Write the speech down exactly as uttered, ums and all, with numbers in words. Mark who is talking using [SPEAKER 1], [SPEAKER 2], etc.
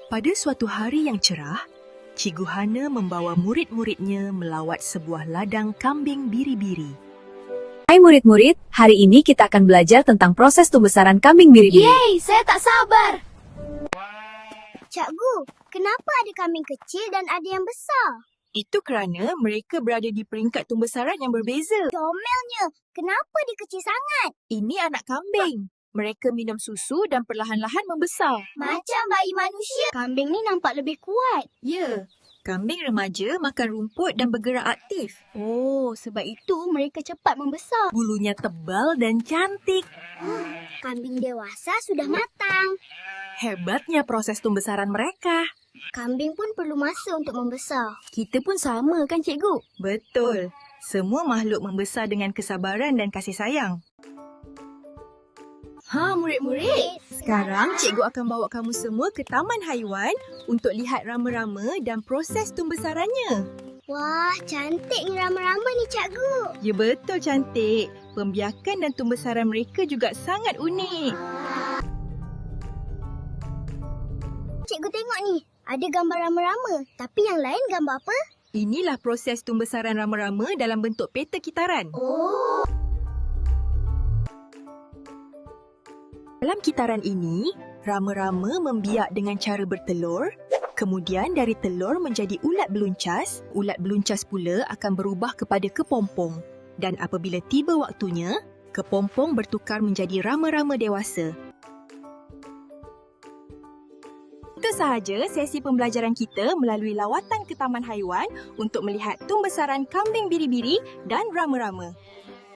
[SPEAKER 1] Pada suatu hari yang cerah, Cikgu Hana membawa murid-muridnya melawat sebuah ladang kambing biri-biri.
[SPEAKER 2] Hai murid-murid, hari ini kita akan belajar tentang proses pembesaran kambing biri-biri.
[SPEAKER 3] Yeay, saya tak sabar.
[SPEAKER 4] Cikgu, kenapa ada kambing kecil dan ada yang besar?
[SPEAKER 1] Itu kerana mereka berada di peringkat pembesaran yang berbeza.
[SPEAKER 4] Comelnya, kenapa dia kecil sangat?
[SPEAKER 1] Ini anak kambing. Mereka minum susu dan perlahan-lahan membesar.
[SPEAKER 4] Macam bayi manusia.
[SPEAKER 3] Kambing ni nampak lebih kuat.
[SPEAKER 1] Ya, kambing remaja makan rumput dan bergerak aktif.
[SPEAKER 3] Oh, sebab itu mereka cepat membesar.
[SPEAKER 1] Bulunya tebal dan cantik.
[SPEAKER 4] Kambing dewasa sudah matang.
[SPEAKER 1] Hebatnya proses pembesaran mereka.
[SPEAKER 4] Kambing pun perlu masa untuk membesar.
[SPEAKER 3] Kita pun sama kan, cikgu?
[SPEAKER 1] Betul. Semua makhluk membesar dengan kesabaran dan kasih sayang.
[SPEAKER 3] Ha, murid-murid.
[SPEAKER 1] Sekarang cikgu akan bawa kamu semua ke taman haiwan untuk lihat rama-rama dan proses pembesarannya.
[SPEAKER 4] Wah, cantik ni rama-rama ni, cikgu.
[SPEAKER 1] Ya betul cantik. Pembiakan dan pembesaran mereka juga sangat unik.
[SPEAKER 4] Cikgu tengok ni, ada gambar rama-rama. Tapi yang lain gambar apa?
[SPEAKER 1] Inilah proses pembesaran rama-rama dalam bentuk peta kitaran.
[SPEAKER 4] Oh.
[SPEAKER 1] Dalam kitaran ini, rama-rama membiak dengan cara bertelur. Kemudian dari telur menjadi ulat beluncas. Ulat beluncas pula akan berubah kepada kepompong. Dan apabila tiba waktunya, kepompong bertukar menjadi rama-rama dewasa. Itu sahaja sesi pembelajaran kita melalui lawatan ke taman haiwan untuk melihat pembesaran kambing biri-biri dan rama-rama.